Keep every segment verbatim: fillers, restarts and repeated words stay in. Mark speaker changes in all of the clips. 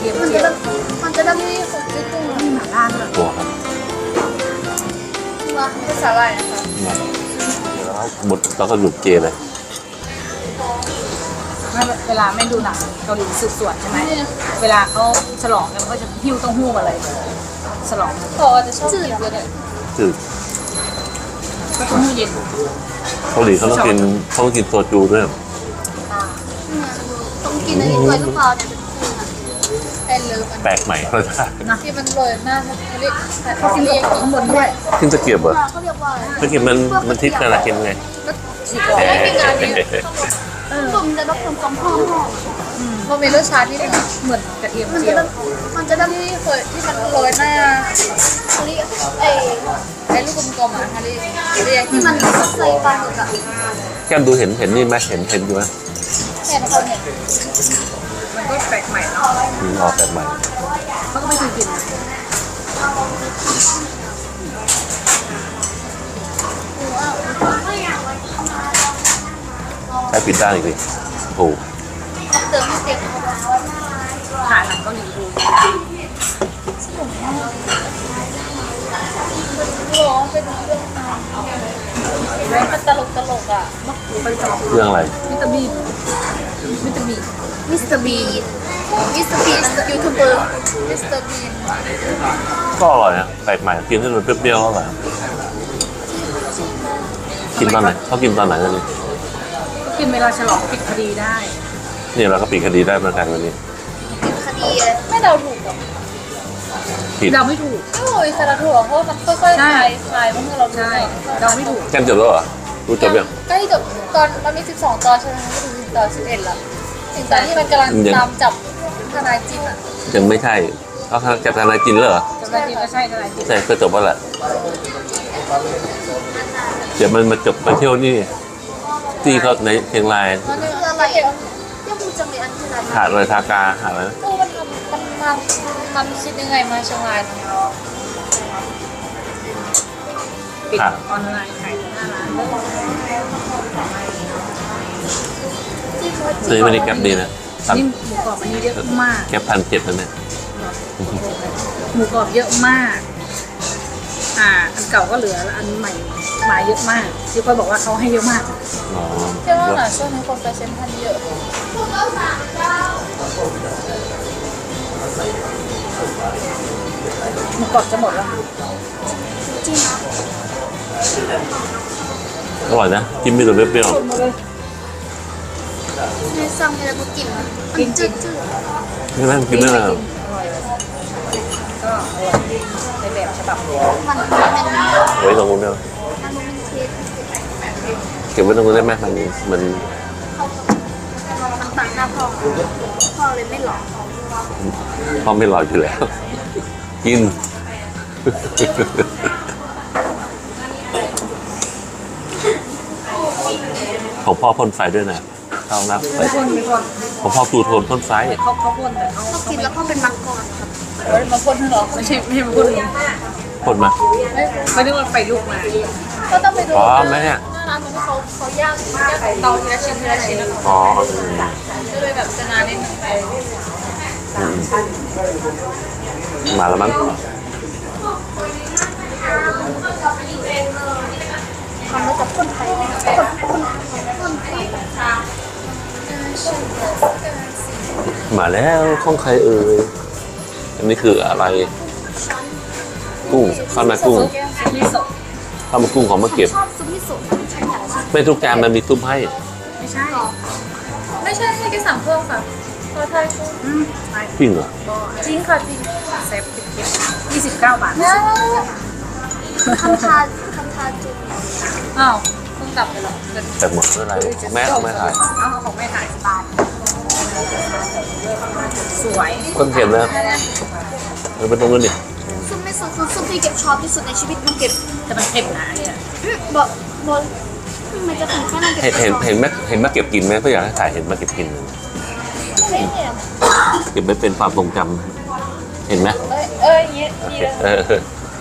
Speaker 1: ทียม
Speaker 2: มัน
Speaker 1: เจี
Speaker 2: จะ
Speaker 1: ยว
Speaker 2: มันจะได้ที่ของที่กุ้ง
Speaker 1: มีหม่าล่าด้วย
Speaker 3: ตัวครับ
Speaker 2: ว่าเป็นสาหร่ายนะคะ
Speaker 3: แล้วหมดแล้วก็หยุดเจเลย
Speaker 1: เวลาแม่ดูหนังเกาหลีสืบสวนใช่ไหมเวลาเขาฉลองกันก็จะหิ้วเต้าหู้มาเลยฉลอง
Speaker 2: เขาอาจจะชอบกินเยอะเลย
Speaker 3: จืด
Speaker 1: ก็เต้าหู้เย็น
Speaker 3: เกาหลีเขาต้องกินเขาต้องกินโซจูด้วย
Speaker 2: ต้องกินอันนี้ด้วยหรือเปล่าเนี่ยเป็นกุ้งอ่ะไอ้เลิฟอัน
Speaker 3: แปลกใหม่เขาจะ
Speaker 1: นะ
Speaker 2: ที่มันโรยหน้าเขาเรียก
Speaker 1: เขากินกับข้างบนด้วย
Speaker 3: ขึ้นตะเกียบเหรอ
Speaker 2: เขาเรียกว่าอะไร
Speaker 3: ตะเกียบมันมันทิศกันอะไรกินไง
Speaker 1: สีกรอบ
Speaker 2: ไม่กินงานนี้ตุ่มจะต้องทำกองห้องห้องมันมีรสชาติที่มัน
Speaker 1: เหมือนกระเทียม
Speaker 2: มัน
Speaker 1: เจี
Speaker 2: จะ
Speaker 1: ยว
Speaker 2: มันจะได้ที่เคยที่มันโรยหน้าเขาเรียกไอ้ไอ้ลูกกลมๆอ่ะเขาเรียกเรียกที่มันใส่ปลาหมึกอ่ะ
Speaker 3: แก้มดูเห็นเห็นนี่ไหมเห็นเห็นอยู่ไหม
Speaker 2: แค่เขาเนี่ย
Speaker 1: มันก็แปลกใหม่เนาะ
Speaker 3: อืมออกแปลกใหม่
Speaker 1: เขาก็ไม่เคยกิน
Speaker 3: ใช้ปิดด้านอีกดิโอ้โห
Speaker 2: เติมให้เต็ม
Speaker 1: ถ่ายหนังเกาหลีดู
Speaker 2: ร้องเป็นเรื่องมันตลกตลกอ่ะ
Speaker 1: ไปจอง
Speaker 3: เรื่องอะไร
Speaker 1: วิตามินวิตามิน
Speaker 2: มิสเตอร์บีนมิสเตอร์บีนยูทูบเบอร์มิสเตอร์บีน
Speaker 3: ก็อร่อยนะแปลกใหม่กินให้มันเปรี้ยวๆก็อร่อยกินตอนไหนเขากินตอนไหนกันนี่
Speaker 1: กินเวลาฉลองปิดคดีได้
Speaker 3: เนี่ยเราก็ปิดคดีได้เหมือนกันวันนี้
Speaker 2: เป็นคดีไม่เดาถูกหรอก
Speaker 3: ผิด
Speaker 1: เราไม่ถูก
Speaker 2: โอ้ยสารถูกเพราะมันค่อยๆคลายคลายเมื่อเราดู
Speaker 1: ใช่เราไม่ถูก
Speaker 3: แก้มจบแล้วเหรอรู้จบยัง
Speaker 2: ใกล้จบตอนมันมีสิบสองตอนใช่ไหมไม่ถึงตอนสิบเอ็ดละถึงตอนที่มันกำลังตามจับทนายจินอ่ะ
Speaker 3: ยังไม่ใช่เขาจับทนายจินแล้วเหรอ
Speaker 1: จะได้กินก็ใช่จะได้กิน
Speaker 3: ใช่ก็จบแล้วแหละเดี๋ยวมันมาจบไปเที่ยวนี่ที่เขาในเชียงราย
Speaker 2: มันคืออะไรอ่ะยังพูดจังเลยอันที่ไหน
Speaker 3: หาดอะไรทากาหาดอะไรนะ
Speaker 2: ตู้มันทำมันมันมันคิดยังไงมาเชียงราย
Speaker 1: ปิดออนไลน์ขายหน้าร้าน
Speaker 3: ซื้อไม่ได้แก๊ปดีนะพัน
Speaker 1: นี่หมูกรอบอันนี้เยอะมาก
Speaker 3: แก๊ปพันเจ็ดนั่นเนี่ย
Speaker 1: หมูกรอบเยอะมาก อ่า อันเก่าก็เหลือแล้วอันใหม่มาเยอะมากที่ค่อยบอกว่าเขาให้เยอะมาก
Speaker 3: อ๋อ
Speaker 2: เชื่อว่าหน่ะช่วงนี้คนไปเซ็นทรัลเยอะ
Speaker 1: หมูกรอบจะหมดแล้ว
Speaker 2: จริง
Speaker 3: อร่อยนะกินไม่ตัวเปรี้ยว
Speaker 1: หมดเลย
Speaker 2: ในซังอะไรก็กินมันจืดจืด
Speaker 3: ๆไม่นั่งกินไม่
Speaker 1: อ
Speaker 3: ได้
Speaker 1: ร่อยก็อร่อยในแบบฉบับ
Speaker 2: มันมันมัน
Speaker 3: ไว้ตรงนู้นเนาะ
Speaker 2: มันมันเทส
Speaker 3: เก็บไว้ตรงนู้นได้ไหมมันมัน
Speaker 2: มันต่างหน้าพ่อพ่อเลยไม่หลอก
Speaker 3: พ่อไม่รออยู่แล้ว กิน ของพ่อพ่นไฟด้วยนะเข้านับไป
Speaker 1: ไม่พ่นไม่พ่น
Speaker 3: ของพ่อตูโทนพ่นไฟ
Speaker 1: เขาเขาพ่นแต่เขา
Speaker 2: เขากินแล้วพ่อเป็นมังกรครับเฮ้ยมาพ่นหรอ
Speaker 1: ไม่ใช่ไม่ใช่มาพ่นเลย
Speaker 3: พ่นมา
Speaker 1: ไม่ได้ว่าไฟลุกมา
Speaker 2: ก็ต้องไปดู
Speaker 3: อ๋อไหมเนี่ย
Speaker 2: หน้าร้านมันเขาเขาย่างย่างเตาทีละชิ้นทีละชิ้นแล้ว
Speaker 3: อ๋อ
Speaker 2: ก็เลยแบบจะนานนิดนึง
Speaker 3: อืมมาแล้วมั้ง
Speaker 2: ทำแล้วจะพ่นไฟพ่นพ่นพ่นไฟ
Speaker 3: มาแล้วของใครเอ่ยอันนี้คืออะไร กุ้งข้าวหน้ากุ้ง
Speaker 1: มิโซะ
Speaker 3: ข้าวมันกุ้งของมาเก็บ
Speaker 2: ชอบซุปมิโซะฉันอยากชิม
Speaker 3: ไม่ทุกจานมันมีซุปให้
Speaker 1: ไม่ใช่
Speaker 2: ไม่ใช่ให้แค่สั่งเพิ่มค่ะพอไทยกุ้ง
Speaker 1: อืมไป
Speaker 3: จริงเหรอ
Speaker 2: จริงค่ะจริง
Speaker 1: เซฟติดเก็บยี่สิบเก้าบาท
Speaker 2: นะทำทานทำทานจุด
Speaker 1: อ้าว
Speaker 2: เพิ่งกลับไปหรอ
Speaker 3: แต่หมดเมื่อไหรแม่เอาแม่ถ่าย
Speaker 1: เอาของแม่ถ่ายบาทสวย
Speaker 3: คนเก็บนะมันเป็นตรงนู้นนี่
Speaker 2: ซุปมิโซะคือซุปที่เก็บชอบที่สุดในชีวิตมันเก็บ
Speaker 1: แต่มันเค็มนะเนี่ย
Speaker 2: บอกบอกมันจะถึงแค่นั้นเก็บ
Speaker 3: เห็นเห็นเห็นแม่เห็นมาเก็บกินไหมก็อยากให้ถ่ายเห็นมาเก็บกิน
Speaker 2: ไม่เนี่ย
Speaker 3: เก็บไว้เป็นความทรงจำเห็นไหม
Speaker 2: เอ้ยเอ้ยเงี้ยดีเลย
Speaker 3: เออ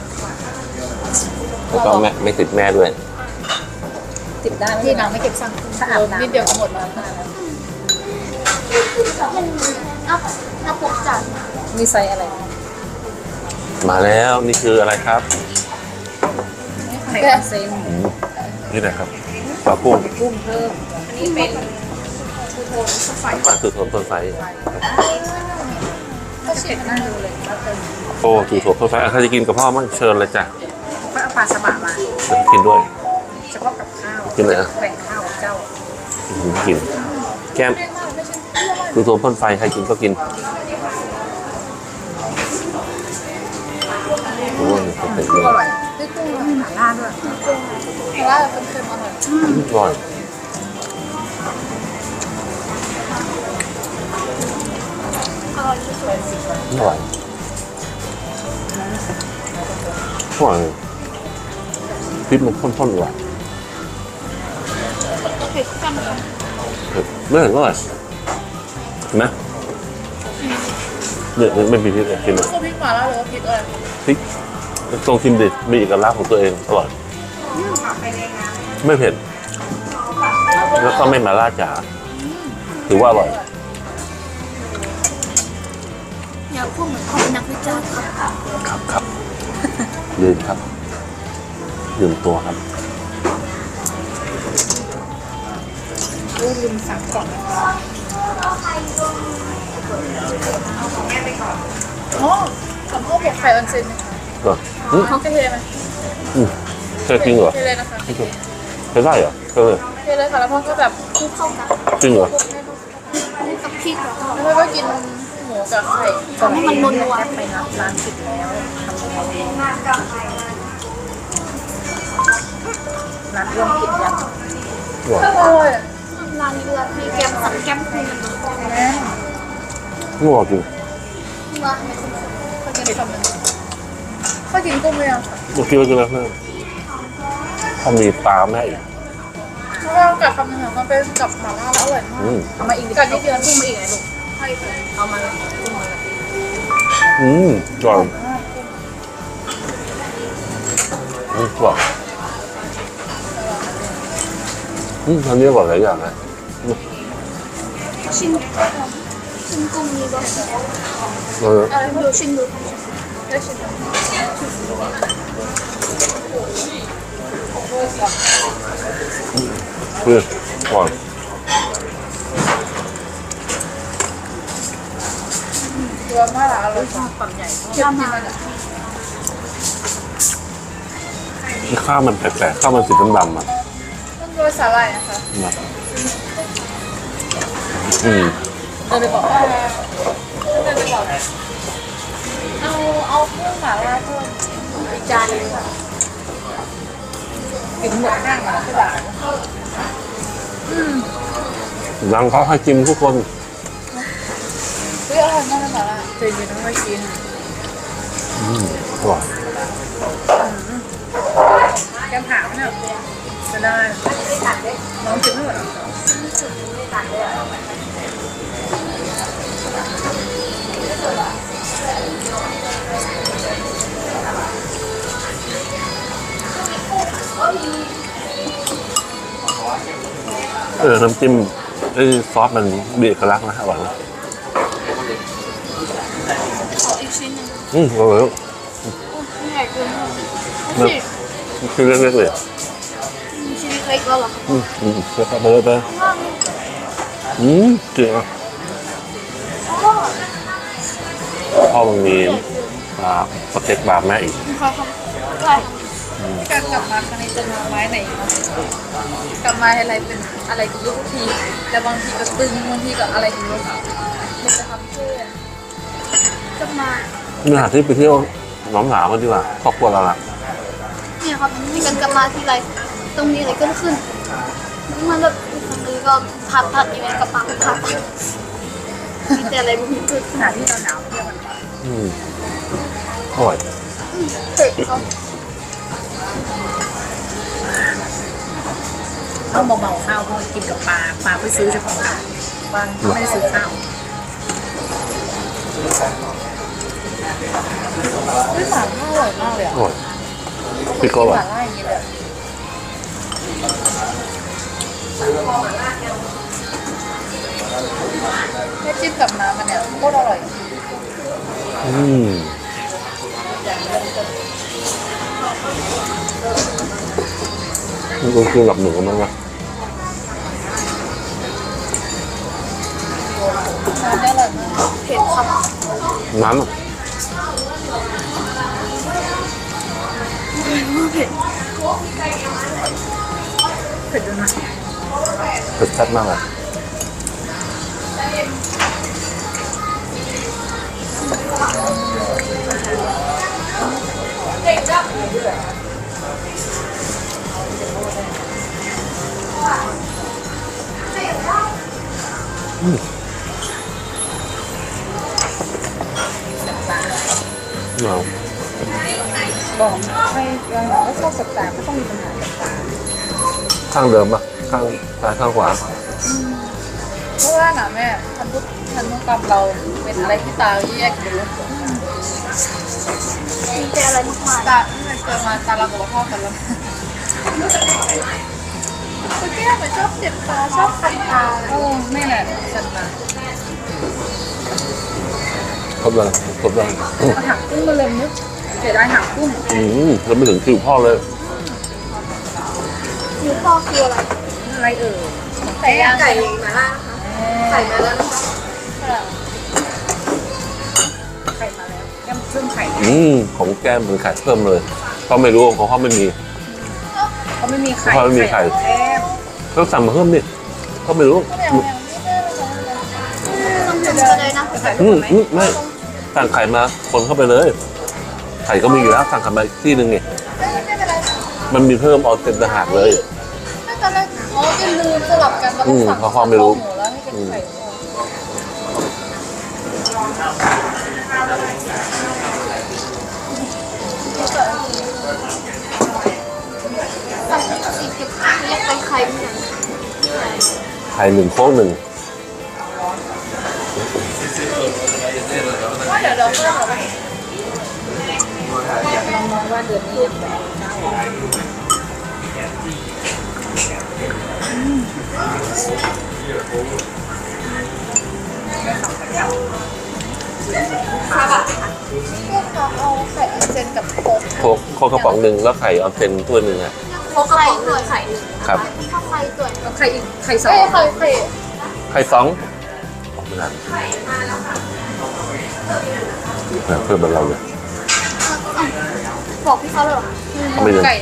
Speaker 3: แล้วก็แม่ไม่ติดแม่ด้วย
Speaker 1: ติดได้ไหม
Speaker 2: ที่นางไม่เก็บสั่ง
Speaker 1: ถ้าอาบน้ำ
Speaker 2: นิดเดียวก็หมดแล้วมันนับนับพกจาน
Speaker 1: มีไซส์อะไร
Speaker 3: มาแล้วนี่คืออะไรครับ
Speaker 1: ไข่ออนเซน
Speaker 3: อืมนี่แหละครับปลากุ้ง
Speaker 1: กุ้งเพิ่ม
Speaker 2: อันนี้เป็นทูโทนไฟ
Speaker 3: ปลาสุดโทนต้นไฟ
Speaker 1: ก็เช็ดหน้าดูเลยแล้วเป็น
Speaker 3: โอ้ถูกโทนต้นไฟอ่ะใครจะกินกับพ่อมั่งเชิญเลยจ้ะ
Speaker 1: ก็เอาปลาสบะมา
Speaker 3: เดี๋ยวกินด้วย
Speaker 1: เฉพาะกับข้าว
Speaker 3: กินเลยอ่ะ
Speaker 1: แบ่งข้าวกับเจ้า
Speaker 3: อืมกิน แก้มถูกโทนต้นไฟใครกินก็กินโอ้ยเป็น
Speaker 1: กุ้
Speaker 3: เล
Speaker 1: ง
Speaker 3: ย
Speaker 1: อร่อยด้วยกุ้งแล้วมีหม่าล่าด้วย
Speaker 2: เพราะว่าเป็นเค็มอร่อย
Speaker 3: อร่อยอร่อยอร่อยพริกมันข้นๆว่ะ
Speaker 2: เผ็ดกันค่ะ
Speaker 3: เผ็ดไม่เห็นอร่อยเห็นไหมเนี่ยไม่มีพริกเลยกินเลย
Speaker 2: คือพริกหม่าล่าหรือว่าพริกอะไร
Speaker 3: พริกตรงชิมดิมีเอกลักษณ์ของตัวเองอร่อยไม่เผ็ดแล้วก็ไม่มาล่าจ๋าถือว่าอร่อย
Speaker 2: อยากพูดเหมือนเขาเป็นนักวิจารณ์ครับ
Speaker 3: ครับครับลืมครับลืมตัวครับ
Speaker 1: ลูกลืมสั่งกล่อง
Speaker 2: อ๋อสำโพกบวกไข่ออนเซน
Speaker 3: เหรออืม
Speaker 2: เขาเทไหม
Speaker 3: อืมเคยกินเหรอ
Speaker 2: เทเลยนะคะ
Speaker 3: ไม่เคยเคยได้เหรอเคยเลย
Speaker 2: เทเลยค่ะแล้วพ่อก็แบบคลุกเข้ากัน
Speaker 3: จริงเหรอ
Speaker 2: กับพริกแล้วพ่อก็กินหมูกับไข่
Speaker 1: ก่อนให้มันนัวๆไปนับร้านปิดแล้วทำยังไงดีร้านร่วมกินยัง
Speaker 3: อร่อย
Speaker 2: อร่อย
Speaker 4: ร้านเรือมีแกมสั่งแกมคืน
Speaker 2: แม่
Speaker 3: อร่อยจริง
Speaker 4: มา
Speaker 2: เขากินคำนึงเขากินกุ้งไหมอ่ะ
Speaker 3: เมื่อกี้เรากินแล้วเพื่อนถ้ามีปลาแม่อีก
Speaker 2: เพราะว่ากัดคำนึงมันเป็นกับหม่าล่าแล้วอร่อยมาก
Speaker 3: อืม
Speaker 1: เอามาอีกดิ
Speaker 2: กัดนิดเดียว
Speaker 1: กุ้งมาอีกไงลูกเอามาเลยกุ้งมาเลย
Speaker 3: อืมอร่อยอืมอร่อยอืมอันนี้อร่อยหลายอย่างนะ
Speaker 4: ชิมชิมกุ้งนี้ก่อน
Speaker 3: เออ
Speaker 2: อะไร
Speaker 4: ดูชิมดู
Speaker 2: ได้ชิม
Speaker 3: เพื่อนอร่อย
Speaker 2: ตัวหม่าล่าอร่อย
Speaker 1: ชอบความใหญ่
Speaker 2: เค็มจริงมันอ่ะ
Speaker 3: ข้าวมันแปลกๆข้าวมันสีดำๆอ่ะ
Speaker 2: ต้องโรยสาหร่ายนะคะ
Speaker 3: นะอืม
Speaker 1: เดินไปบอกว่า
Speaker 2: เดินไปบอกเอาเอากุ้งหม่าล่าเพิ่มอีกจานนึงค่ะ
Speaker 1: กินหมด
Speaker 2: นั่งมาที่บ้าน
Speaker 3: หลังเขาให้จิ้มทุกคน
Speaker 2: เฮ้ยอร่อยมากเลยหม่าล่า
Speaker 1: เจนยังไม่ค่อยกิน
Speaker 3: อืมอร่อย
Speaker 1: แกมถามเนี่ยจะได้น้องกินไม่หมดหรอ
Speaker 3: เออน้ำจิ้มไอ้ซอสมันมีเอกลักษณ์นะอร่อยนะ
Speaker 4: ขออีกชิ้นหนึ่ง
Speaker 3: อืมอร่อยแล้ว
Speaker 4: ใหญ่เกิน
Speaker 3: มันคือเล็กๆเลยอ่ะ
Speaker 4: ชิ้นเล็กแล้วหรอ
Speaker 3: อืมอืมเดี๋ยวไปเลยไปอืมเจ๋งอ่ะพ่อมันมีปลาสเต็กปลาแม่อีก
Speaker 4: ค่ะครับได้
Speaker 2: การกลับมาครั้งนี้จะมาไม้ไหนนะกลับมาอะไรเป็นอะไรกับลูกทีแต่บางทีก็ตึงบางทีก็อะไรกับลูกมันจะทำเพื่อ
Speaker 4: จะมา
Speaker 3: นี่หาที่ไปเที่ยวหน้องหนาวกันดีกว่าครอบครัวเราล่ะ
Speaker 4: เนี่ยครับมีกันกลับมาทีไรตรงนี้อะไรก็ขึ้นมันแบบตรงนี้ก็ผัดผัดอยู่ในกระเป๋าผัดมีแต่อะไรบุ้งขึ้น
Speaker 1: ขนาดที่เราหนาวเที่ยวกันก่อน
Speaker 3: อืมอร่อย
Speaker 4: เผ็ดครับ
Speaker 1: ต้องเบาๆข้าวเพราะกินกับปลาปลาไปซื้อเฉพาะปลาไม่ได้ซื้อข้าว
Speaker 2: เฮ้ยหม่าล่าอร่อยมากเลยอ่ะ
Speaker 3: อร่อยพริกก็อร่อ
Speaker 2: ห
Speaker 3: ย
Speaker 2: ม่าล่าอย่างนี้เลยแค่จิ้มกับน้ำมันเนี่ยโคตรอร่อย
Speaker 3: อืมมันคือกับหนูมั้งวะ
Speaker 2: ร้านนี้อร่อยมาก
Speaker 4: เผ็ดครับ
Speaker 3: น้ำอะ
Speaker 4: เผ็ด
Speaker 1: เผ็ดด้วยนะ
Speaker 3: เผ็ดชัดมากเลยอืมเอา
Speaker 1: บอกให้ยังบอกว่าชอบสับตาก็ต้องมีปัญหาสับตา
Speaker 3: ข้างเดิมปะข้างซ้ายข้างขวา
Speaker 2: เพราะว่าน่ะแม่พันธุพันธุกรรมเราเป็นอะไรที่ตาแยกอยู่
Speaker 4: มีแต่อะไรมากมาย
Speaker 2: ตาที่มันเกิดมาตาเรากับพ่อกันแล้วคุณแก้เหมือนชอบเจ็บตาชอบคันตา
Speaker 1: โอ้แม่แหละสับตา
Speaker 3: ครบเลยครบเลย
Speaker 1: เอาหักกุ้งมาเลยนึกเสียดายหักกุ้ง
Speaker 3: อืมแล้วไม่ถึงคิวพ่อเลย
Speaker 4: คิวพ่อคืออะไร
Speaker 1: อะไรเอ่ย
Speaker 2: ไก่ย่าง
Speaker 4: ไก่มาล่านะคะไก่มาล่านะคะ
Speaker 1: ไข่มาแล้วแก้มเครื่องไข่
Speaker 3: อืมของแก้มเป็นไข่เพิ่มเลยเขาไม่รู้ของเขาไม่มี
Speaker 1: เขาไม่มีไข่
Speaker 3: เขาไม่มีไข่
Speaker 1: แก้ม
Speaker 3: ก็สั่งมาเพิ่มดิเขาไม่รู้
Speaker 2: แมวแมวนี่แม่เลย
Speaker 4: ต้องทำอะไรนะ
Speaker 1: ไข่
Speaker 3: อื
Speaker 1: ถู
Speaker 3: ม
Speaker 1: กไหม
Speaker 3: อืมไม่สั่งไข่มาคนเข้าไปเลย ไข่ก็มีอยู่แล้วสั่งไข่มาอีกที่หนึ่งไง
Speaker 2: ไม่ไม่เป็นไร
Speaker 3: มันมีเพิ่มออนเซ็นต่างหากเลย
Speaker 2: ไม่ตอนแรกอ๋อจะลืมสลับกันแล้วก็สั่ง
Speaker 3: อืมเพราะพ่อไม่รู้
Speaker 2: หมูแล้วให้เป็นไข่
Speaker 4: สั่งสี่สิบเรียกไปไข่เหมือนกัน
Speaker 3: ไข่หนึ่งโค้งหนึ่ง
Speaker 2: ว่าเดี๋ยวเราเพิ่มเหรอ
Speaker 1: ลองมองว่าเดือนนี้ยังแบบ
Speaker 2: ค่ะแบบพวกน้องเอาไข่ออนเซนกับโค้ก
Speaker 3: โค้กโค้กกระป๋องหนึ่งแล้วไข่ออนเซ็นถ้วยหนึ่งอะ
Speaker 4: เขาไข่หน่วยไข่หนึ่ง
Speaker 3: ครับ
Speaker 4: ข้าวไข่ตัว
Speaker 1: เอาไข่อีกไข่สอง
Speaker 2: เอ้ยไข่ไข่
Speaker 3: ไข่สองออกไม่นานเพิ่มเหมือนเราเลย
Speaker 4: บอกพี่เขาเลยเหรอ
Speaker 3: เขาไม่เลย
Speaker 2: ไก่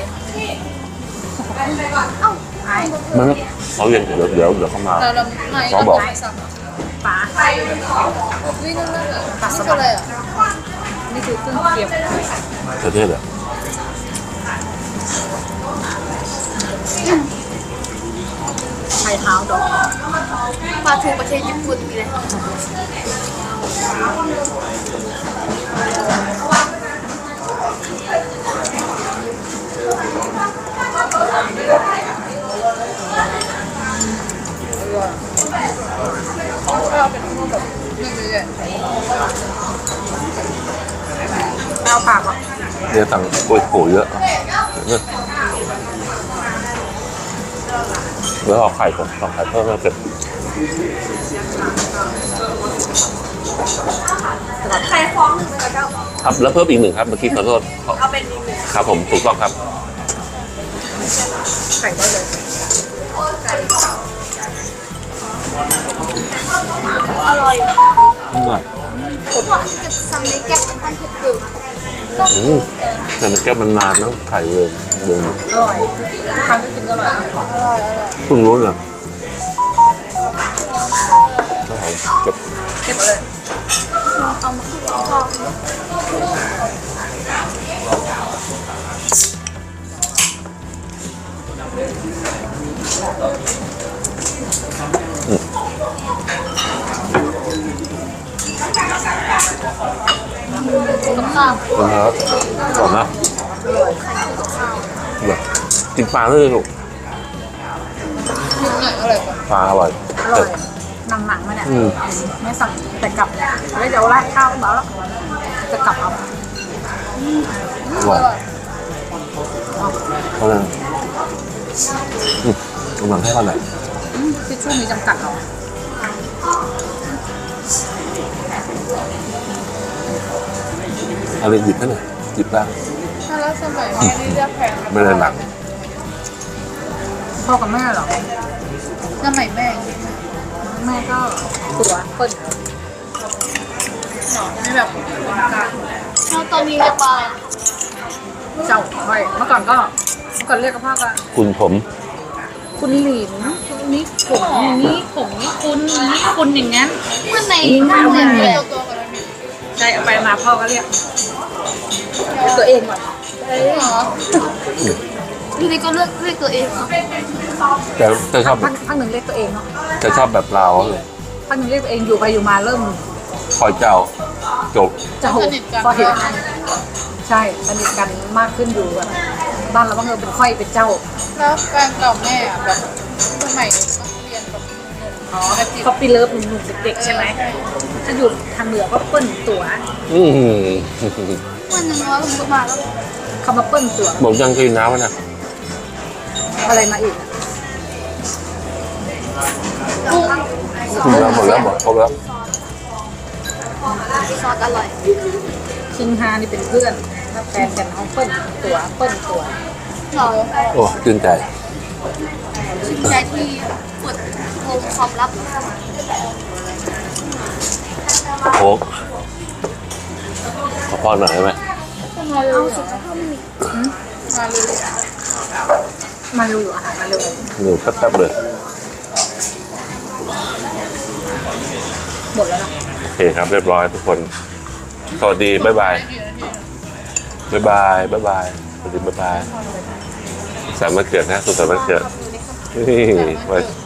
Speaker 4: เอ้า
Speaker 1: ไอ้
Speaker 3: มันเขาเย็นเดี๋ยวเดี๋ยวเดี๋ยวเขามา
Speaker 2: เราเราไม่
Speaker 3: เขาบอก
Speaker 2: ไม่สั่ง
Speaker 1: ป๋า
Speaker 2: วิ่งนั่นนั่นอ่ะนี่คืออะไรอ่ะ
Speaker 1: นี่คือเครื่องเคียง
Speaker 3: ประเทศเหรอ
Speaker 1: ไข่เท้าดอก
Speaker 4: ปลาทูประเทศญี่ปุ่นมีอะไร
Speaker 2: เราเป็นพวกแบบหนึ่งเดือน
Speaker 1: เอาปากอ่ะ
Speaker 3: เดี๋ยวสั่งโกยโผเยอะเนี่ยแล้วเอาไข่ก่อนเอาไข่เพิ่มแล้วเก็บ
Speaker 4: ไข่ฟองหนึ่งเลยเจ้า
Speaker 3: ครับแล้วเพิ่มอีกหนึ่งครับเมื่อกี้ขอโทษ
Speaker 4: เอาเป็นอีกหนึ่ง
Speaker 3: ครับผมถูกต้องครับ
Speaker 1: ไข่ได้เลย
Speaker 4: อร่อย
Speaker 3: อืม
Speaker 4: ผมว่าจะสั่งในแก๊สท่านเผ็ดอยู่
Speaker 3: อืมแต่มันแก้วมันนานนะไข่เลยเดิน
Speaker 1: อร่อยทานก็กินก็อร่อย
Speaker 3: เพิ่งรู้เนี่ยเก็บ
Speaker 1: เก็บเลย
Speaker 4: เอามาคลุกข้าว
Speaker 2: กับข้าว
Speaker 3: นะครับก่อนนะแบบกินปลาด้วยลูก
Speaker 2: หนึ่งหน่อยอร่อยกว่า
Speaker 3: ปลาอร่อย
Speaker 1: อร่อยหนังหนังๆมาเนี่ย
Speaker 3: อืม
Speaker 1: ไม่สั่งแต่กลับแล้วเดี๋ยวราดข้าวมาแล้วจะกลับเอา
Speaker 3: อร่อยเขาเลยอืมกำลังให้เขาหน่อย
Speaker 1: ทิชชู่มีจำกัดเหรอ
Speaker 3: อะไรหยิบให้หน่อยหยิบบ้าง
Speaker 2: ถ้าแล้วสมัยแม่นี่เรียกแพงห
Speaker 3: ไม่ได้หนัก
Speaker 1: พ่อกับแม่เหรอ
Speaker 2: สมัยแม่
Speaker 1: แม่ก็ตัวเปิ้ล
Speaker 2: หนอไม่แบบเป็นการ
Speaker 4: แล้วตอนนี้เรียกว่าอะไร
Speaker 1: เจ้าค่อยเมื่อก่อนก็เมื่อก่อนเรียกกับพ่อก็
Speaker 3: คุณผม
Speaker 1: คุณหลินนี่ผมนี่ผมนี่คุณนี่คุณอย่างนั้น
Speaker 4: เมื่อใน
Speaker 1: ง่ายมากเลย
Speaker 2: ตัวตัวกันแล้วมี
Speaker 1: ใช่เอาไปมาพ่อก็เรียกเรียกตัวเองก่อน
Speaker 2: หรอ
Speaker 4: ทีนี้ก็เลือกเลือกตัวเองค่ะ
Speaker 3: แต่แต่ชอบแบ
Speaker 1: พั
Speaker 3: บ
Speaker 1: กพักหนึ่งเรียกตัวเองเนาะ
Speaker 3: แต่ชอบแบบเราเลย
Speaker 1: พักหนึ่งเรียกตัวเองอยู่ไปอยู่มาเริ่ม
Speaker 3: คอยเจ้าจบ
Speaker 1: จะโหพอเห็นใช่สนิทกันมากขึ้นอยู่แบบบ้านเราบ้างเออเป็นค่อยเป็นเจ้า
Speaker 2: แล้วแฟนเก่าแม่อะแบบสมัยต้องเรียนแบบหนุ่มๆอ๋อแบบที่
Speaker 1: เขาปีเลิฟหนุ่มๆเด็กๆใช่ไหมถ้าอยู่ทางเหนือก็เปิ้ลตัว
Speaker 3: อืม
Speaker 4: วันหนึ่งว่าผมก็มาแล้ว
Speaker 1: เขามาเปิ้ลตัว
Speaker 3: บอกยังกินน้ำนะ
Speaker 1: อะไรมาอีกอะ
Speaker 3: กินแล้วหมดแล้วหมดครบแล้ว
Speaker 4: ซอสอร่อย
Speaker 1: คิงฮานี่เป็นเพื่อนถ้าแฟนกันเขาเปิ้ลตัวเปิ้ลตัว
Speaker 4: หรอ
Speaker 3: โอ้ตื่นใจ
Speaker 4: ชื่นใจที่ปวดโฮมความลับ
Speaker 3: โค้กขอพรหน่อยได้ไหม
Speaker 4: เอาสุขภาพไม่มี
Speaker 2: มาเลย
Speaker 1: มาเร็วอยู่อาหารมาเร็ว
Speaker 3: หนูแป๊บๆเลย
Speaker 1: หมดแล้วเนาะ
Speaker 3: โอเคครับเรียบร้อยทุกคน สวัสดี บ๊ายบาย บ๊ายบาย บ๊ายบาย สวัสดี บ๊ายบายสามวันเกิดนะ สุขสันต์วันเกิดนี่ไว้